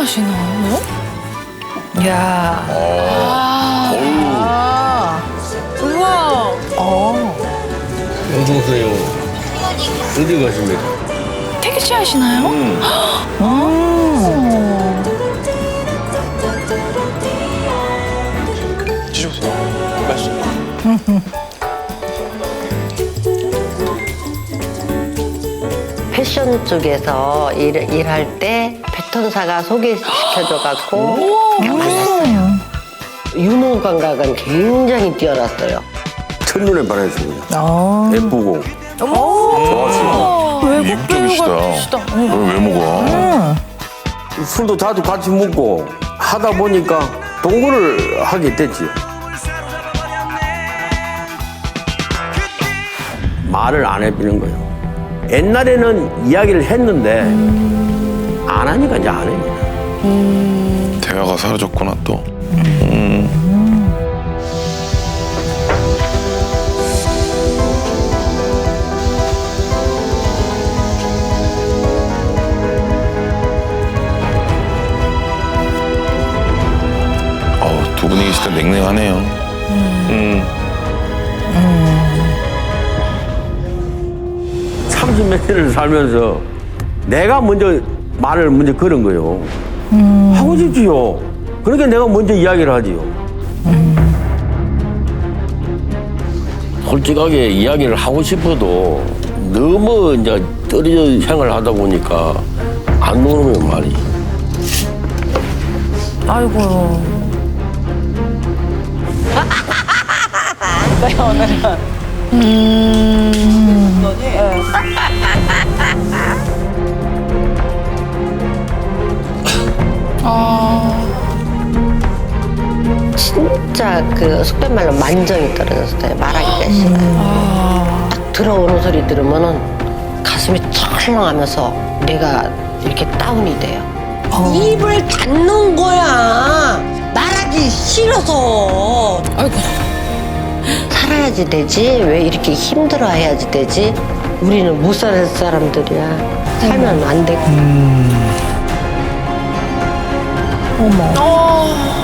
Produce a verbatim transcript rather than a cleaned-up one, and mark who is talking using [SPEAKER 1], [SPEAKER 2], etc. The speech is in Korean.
[SPEAKER 1] 하시나? 뭐? 야. 아. 아. 우와. 어.
[SPEAKER 2] 어서오세요. 어디 가십니까?
[SPEAKER 1] 택시 하시나요?
[SPEAKER 2] 음.
[SPEAKER 1] 아.
[SPEAKER 3] 드셔보세요. 맛있어요.
[SPEAKER 4] 패션 쪽에서 일, 일할 때 패턴사가 소개시켜줘갖고 만났어요. 유머 감각은 굉장히 뛰어났어요.
[SPEAKER 2] 첫눈에 반했어요.
[SPEAKER 1] 아.
[SPEAKER 2] 예쁘고. 좋았어요.
[SPEAKER 1] 외국 배우가
[SPEAKER 3] 이국적이시다.
[SPEAKER 1] 계시다.
[SPEAKER 3] 왜 외모가?
[SPEAKER 2] 술도 자주 같이 먹고 하다 보니까 동거를 하게 됐지요. 말을 안 해주는 거예요. 옛날에는 이야기를 했는데 안 하니까 이제 안 해요.
[SPEAKER 3] 대화가 사라졌구나 또. 음. 어우, 두 분이 계실 때 냉랭하네요. 음.
[SPEAKER 2] 삼십 몇 년을 살면서 내가 먼저 말을 먼저 걸은 거예요. 하고 싶지요. 그러니까 내가 먼저 이야기를 하지요. 솔직하게 이야기를 하고 싶어도 너무 이제 떨어져 생활을 하다 보니까 안 노는 말이.
[SPEAKER 1] 아이고.
[SPEAKER 4] 진짜 그 속된 말로 만정이 떨어졌어요. 말하기가 싫어요. 딱 들어오는 소리 들으면은 가슴이 철렁하면서 내가 이렇게 다운이 돼요. 입을 닫는 거야. 말하기 싫어서.
[SPEAKER 1] 아이고.
[SPEAKER 4] 살아야지 되지. 왜 이렇게 힘들어해야지 되지. 우리는 못 살 사람들이야. 살면 안 되고.
[SPEAKER 1] 어머.